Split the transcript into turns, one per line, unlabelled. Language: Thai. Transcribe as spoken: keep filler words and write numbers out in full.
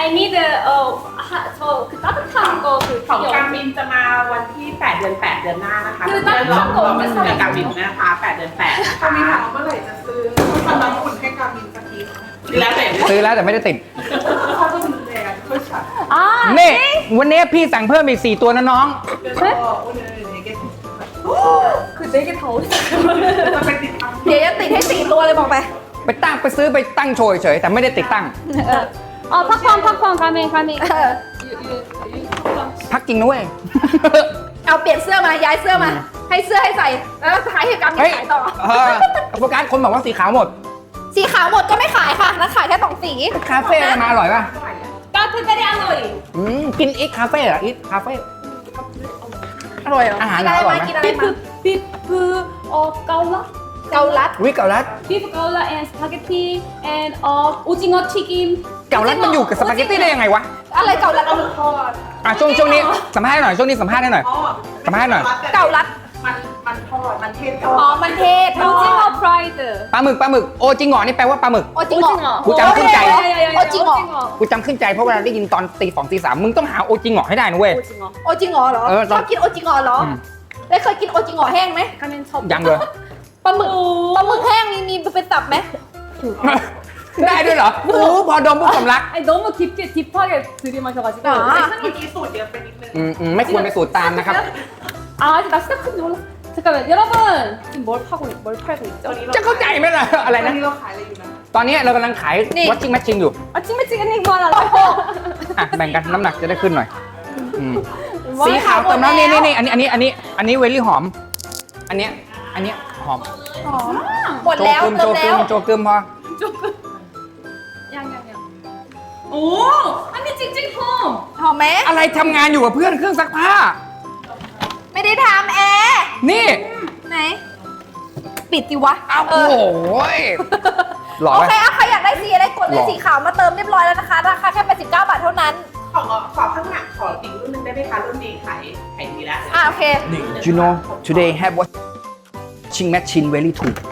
I need 어 저 그 따뜻한 거 그
ของ
되게
การบินจะมาวันที่แปดเดือนแปดเดือนหน้านะคะ
คือตั้ง
เดือน
ตั้ง
เรา
ก่อน
เดือนการบินนะคะแปดเดือนแปด
เขามีถามว่าเมื่อไหร่จะซื้อทำน้ำอุ่นให้การบินสักที
แล้วแต่
ซื้อแล้วแต่ไม่ได้ติด
เขาจะดูแลกันเขาฉัน
아
นี่วันนี้พี่สั่งเพิ่มอีกสี่ตัวนะน้อง
เดี๋ยวก็โอนเลยเดี๋ยวแก
그 네 개 다 어디서
จะไปติดตาม
เดี๋ยวจะติดให้สี่ตัวเลยบอกไป
ไปตั้งไปซื้อไปตั้งโชว์เฉยๆแต่ไม่ได้ติดตั้ง
어 팝콘 팝콘 가면 가면
เออ
พักจริงนะเว้ย
เอาเปลี่ยนเสื้อมาย้ายเสื้อมา ให้เสื้อให้ใส่แล้วขายให้กำยั
เฮ้ย
ขายต่อ
เออโฟกัสคนบอกว่าสีขาวหมด
สีขาวหมดก็ไม่ขายค่ะแล้วขายแค่สองสี
คาเฟ่อะไรมาอร่อยป่ะ
따뜻하게 알로이
อืมกินอีกคาเฟ่เหรออีกคาเฟ่
อร่อยเหรอ
อาหาร
กินอะไร
อร่อย
มา
ไหม
กินอะไรมา
비프 비프 어 까울라
เกาลัด
วิเกาลัด
비프 까울라 and 스파게티 and 어 오징어 튀김
เกาลัดมันอยู่กับสปาเกตตี้ได้ยังไงวะ
อะไรเกาลัดเอา
ทอด
อ่ะช่วงช่วงนี้สัมภาษณ์หน่อยช่วงนี้สัมภาษณ์ให้หน่อย
อ๋อ
สัมภาษณ์หน่อย
เกาลัด
มันมันทอดมันเทศทอ
อ๋อ
ด
มันเทศทอด
오징어 프라이드
ปลาหมึกปลาหมึกโอจิงเหงอนี่แปลว่าปลาหมึก
โอจิงเหรอ
กูจำขึ้นใจ
โอจิงเหรอ
กูจำขึ้นใจเพราะเวลาได้ยินตอนตีสองตีสามมึงต้องหาโอจิงเหงอให้ได้นะเว้ย
오징어
โอจิงเหรอเหรอ
เออ
ชอบกินโอจิงเหรอเหรอ
อืม
แล้วเคยกินโอจิงเหรอแห้งไหม
가면 저
ยังเลย
ปลาหมึกปลาหมึกแห้งมีมีเป็นตับไหม
ได้ด้วยเหรอโอ้พอดมปุ๊บสำลัก
아니 너무 깊게 딥하게 들이마셔가지고
아.
เมื่อกี้สูตรเดียวไปนิดนึง
อืมอืมไม่ควรไปสูตรตามนะครับ
아 아직 나 시작한지 몰라 잠깐만 여러분 지금 뭘 파고 뭘 팔고 있죠?
จะเข้าใจไหมล่ะอะไร
ตอน
นะ
นี้เราขายอะไรอยู่นะ
ตอนนี้เรากำลังขาย watching matching อยู่
아 찡매찡이니 뭐하나
อ่ะแบ่งกันน้ำหนักจะได้ขึ้นหน่อยอืม
ว้าว
สีขาวเติมน้ำ
หม
นี่
ดแล้ว
นี่นี่อันนี้อันนี้อันนี้อันนี้เวลี่หอม อันเนี้ยอันเนี้ยหอม
หอมหมดแล้ว
โจ
เติ
กึ
ม
ม
แล้ว
โจกึมพอ
조금 양양양 오 언니 찡찡폼
หอมไหม
อะไรทำงานอยู่กับเพื่อนเครื่องซักผ้า
ไม่ได้ทำแอร์
นี่
ไหน ปิดดิวะ
อ้าว
เอ
โอ้
อ
โหหล่อ
โอ
ไหม
เคอะใครอยากได้สีอะไรกดเล
หร
ย
อ
สีขาวมาเติมเรียบร้อยแล้วนะคะราคาแค่แปดสิบเก้าบาทเท่านั้น
ขอขอข้างหน้าขออีกรุ่นนึงได้ไหมคะรุ่นนี้ขายขายดีแล้ว
อ่ะโอเค
You know today have watching machine very too